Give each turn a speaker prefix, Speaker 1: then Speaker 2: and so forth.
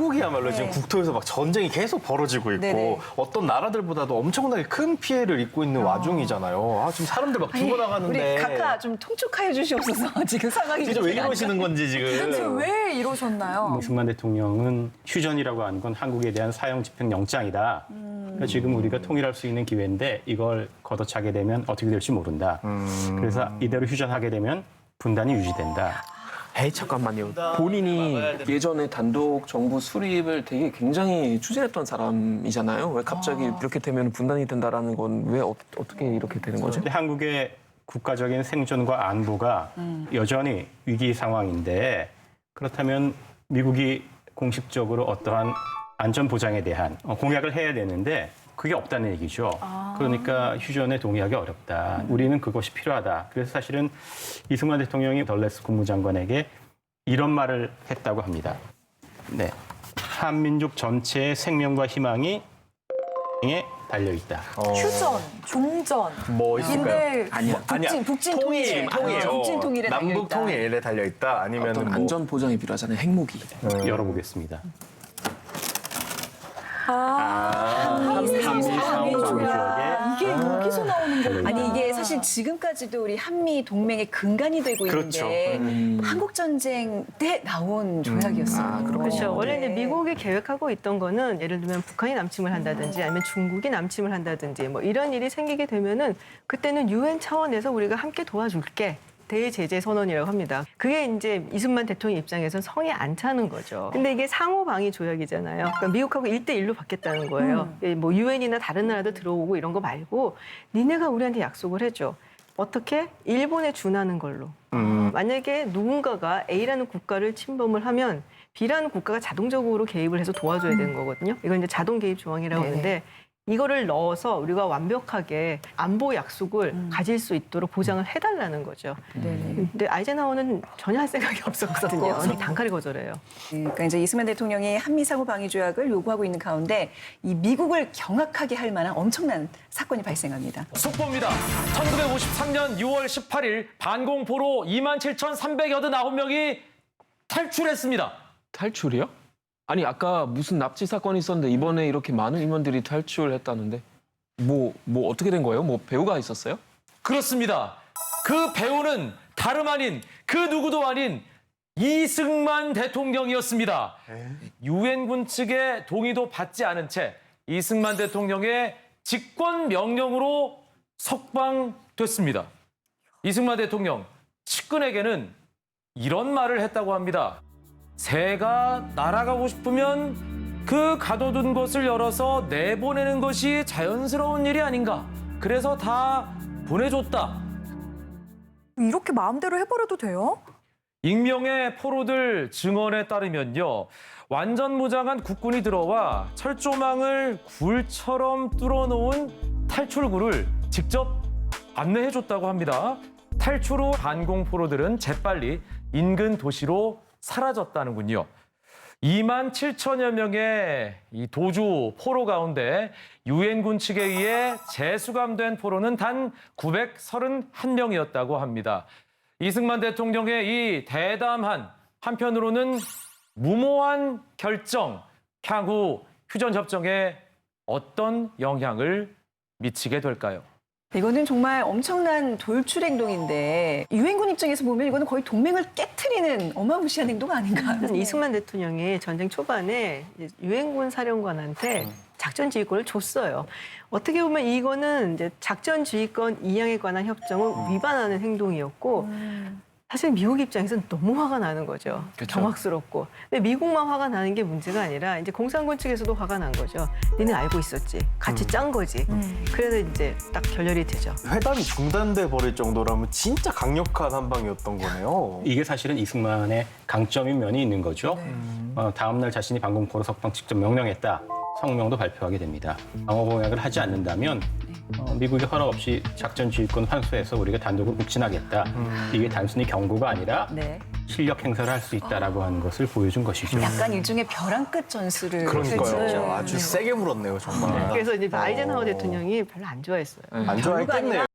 Speaker 1: 한국이야말로 지금 국토에서 막 전쟁이 계속 벌어지고 있고
Speaker 2: 네네.
Speaker 1: 어떤 나라들보다도 엄청나게 큰 피해를 입고 있는 와중이잖아요. 지금 사람들 막 죽어나가는데.
Speaker 2: 우리 각하 좀 통촉하여 주시옵소서. 지금 상황이
Speaker 1: 진짜 왜
Speaker 2: 그렇게 안
Speaker 1: 이러시는 건지 지금.
Speaker 3: 도대체 왜 이러셨나요?
Speaker 4: 이승만 대통령은 휴전이라고 하는 건 한국에 대한 사형 집행 영장이다. 그러니까 지금 우리가 통일할 수 있는 기회인데 이걸 걷어차게 되면 어떻게 될지 모른다. 그래서 이대로 휴전하게 되면 분단이 유지된다.
Speaker 5: 에이 잠깐만요. 본인이 예전에 단독 정부 수립을 되게 굉장히 추진했던 사람이잖아요. 왜 갑자기 이렇게 되면 분단이 된다라는 건 왜 어떻게 이렇게 되는 거죠?
Speaker 4: 근데 한국의 국가적인 생존과 안보가 여전히 위기 상황인데 그렇다면 미국이 공식적으로 어떠한 안전 보장에 대한 공약을 해야 되는데 그게 없다는 얘기죠. 그러니까 휴전에 동의하기 어렵다. 우리는 그것이 필요하다. 그래서 사실은 이승만 대통령이 덜레스 국무장관에게 이런 말을 했다고 합니다. 네, 한민족 전체의 생명과 희망이 에 달려 있다.
Speaker 3: 휴전, 종전.
Speaker 1: 뭐 있을까요?
Speaker 3: 인데
Speaker 5: 아니야.
Speaker 2: 북진
Speaker 1: 통일,
Speaker 2: 통일. 북진 통일에 달려
Speaker 1: 남북
Speaker 2: 있다.
Speaker 1: 통일에 달려 있다. 아니면
Speaker 5: 어떤
Speaker 1: 뭐
Speaker 5: 안전 보장이 필요하잖아요. 핵무기.
Speaker 4: 열어보겠습니다.
Speaker 3: 한미
Speaker 4: 상호 조약에
Speaker 3: 이게 여기서 나오는 거구나.
Speaker 2: 아니 이게 사실 지금까지도 우리 한미 동맹의 근간이 되고
Speaker 1: 그렇죠.
Speaker 2: 있는데 한국 전쟁 때 나온 조약이었어요.
Speaker 6: 그렇죠. 원래 이제
Speaker 2: 네.
Speaker 6: 미국이 계획하고 있던 거는 예를 들면 북한이 남침을 한다든지 아니면 중국이 남침을 한다든지 뭐 이런 일이 생기게 되면은 그때는 유엔 차원에서 우리가 함께 도와줄게. 대제재 선언이라고 합니다. 그게 이제 이승만 대통령 입장에서는 성에 안 차는 거죠. 근데 이게 상호 방위 조약이잖아요. 그러니까 미국하고 1대1로 받겠다는 거예요. 뭐 유엔이나 다른 나라도 들어오고 이런 거 말고 니네가 우리한테 약속을 해줘. 어떻게? 일본에 준하는 걸로. 만약에 누군가가 A라는 국가를 침범을 하면 B라는 국가가 자동적으로 개입을 해서 도와줘야 되는 거거든요. 이건 이제 자동 개입 조항이라고
Speaker 2: 네네.
Speaker 6: 하는데 이거를 넣어서 우리가 완벽하게 안보 약속을 가질 수 있도록 보장을 해달라는 거죠. 근데 아이젠하워는 전혀 할 생각이 없었거든요. 단칼에 거절해요.
Speaker 2: 그러니까 이제 이승만 대통령이 한미 상호 방위 조약을 요구하고 있는 가운데 이 미국을 경악하게 할 만한 엄청난 사건이 발생합니다.
Speaker 7: 속보입니다. 1953년 6월 18일 반공포로 27,389명이 탈출했습니다.
Speaker 5: 탈출이요? 아니 아까 무슨 납치 사건이 있었는데 이번에 이렇게 많은 인원들이 탈출했다는데 뭐 어떻게 된 거예요? 뭐 배우가 있었어요?
Speaker 7: 그렇습니다. 그 배우는 다름 아닌 그 누구도 아닌 이승만 대통령이었습니다. 유엔군 측의 동의도 받지 않은 채 이승만 대통령의 직권 명령으로 석방됐습니다. 이승만 대통령 측근에게는 이런 말을 했다고 합니다. 새가 날아가고 싶으면 그 가둬둔 곳을 열어서 내보내는 것이 자연스러운 일이 아닌가. 그래서 다 보내줬다.
Speaker 3: 이렇게 마음대로 해버려도 돼요?
Speaker 7: 익명의 포로들 증언에 따르면요. 완전 무장한 국군이 들어와 철조망을 굴처럼 뚫어놓은 탈출구를 직접 안내해줬다고 합니다. 탈출 후 반공포로들은 재빨리 인근 도시로 사라졌다는군요. 27,000여 명의 이 도주 포로 가운데 유엔군 측에 의해 재수감된 포로는 단 931명이었다고 합니다. 이승만 대통령의 이 대담한 한편으로는 무모한 결정, 향후 휴전 협정에 어떤 영향을 미치게 될까요?
Speaker 2: 이거는 정말 엄청난 돌출 행동인데 유엔군 입장에서 보면 이거는 거의 동맹을 깨트리는 어마무시한 행동 아닌가.
Speaker 6: 이승만 대통령이 전쟁 초반에 이제 유엔군 사령관한테 작전 지휘권을 줬어요. 어떻게 보면 이거는 이제 작전 지휘권 이양에 관한 협정을 위반하는 행동이었고 사실 미국 입장에서는 너무 화가 나는 거죠.
Speaker 5: 그쵸.
Speaker 6: 경악스럽고. 근데 미국만 화가 나는 게 문제가 아니라 이제 공산군 측에서도 화가 난 거죠. 니는 알고 있었지. 같이 짠 거지. 그래서 이제 딱 결렬이 되죠.
Speaker 1: 회담이 중단돼 버릴 정도라면 진짜 강력한 한방이었던 거네요.
Speaker 4: 이게 사실은 이승만의 강점인 면이 있는 거죠. 다음 날 자신이 반공포로 석방 직접 명령했다. 성명도 발표하게 됩니다. 방어 공약을 하지 않는다면 미국의 허락 없이 작전 지휘권 환수해서 우리가 단독으로 북진하겠다. 이게 단순히 경고가 아니라
Speaker 2: 네.
Speaker 4: 실력 행사를 할 수 있다라고 하는 것을 보여준 것이죠.
Speaker 2: 약간 일종의 벼랑 끝 전술을
Speaker 1: 그러니까요.
Speaker 2: 펼치죠.
Speaker 1: 아주 세게 물었네요, 정말.
Speaker 6: 그래서 이제 아이젠하워 대통령이 별로 안 좋아했어요.
Speaker 1: 안 좋아했겠네요.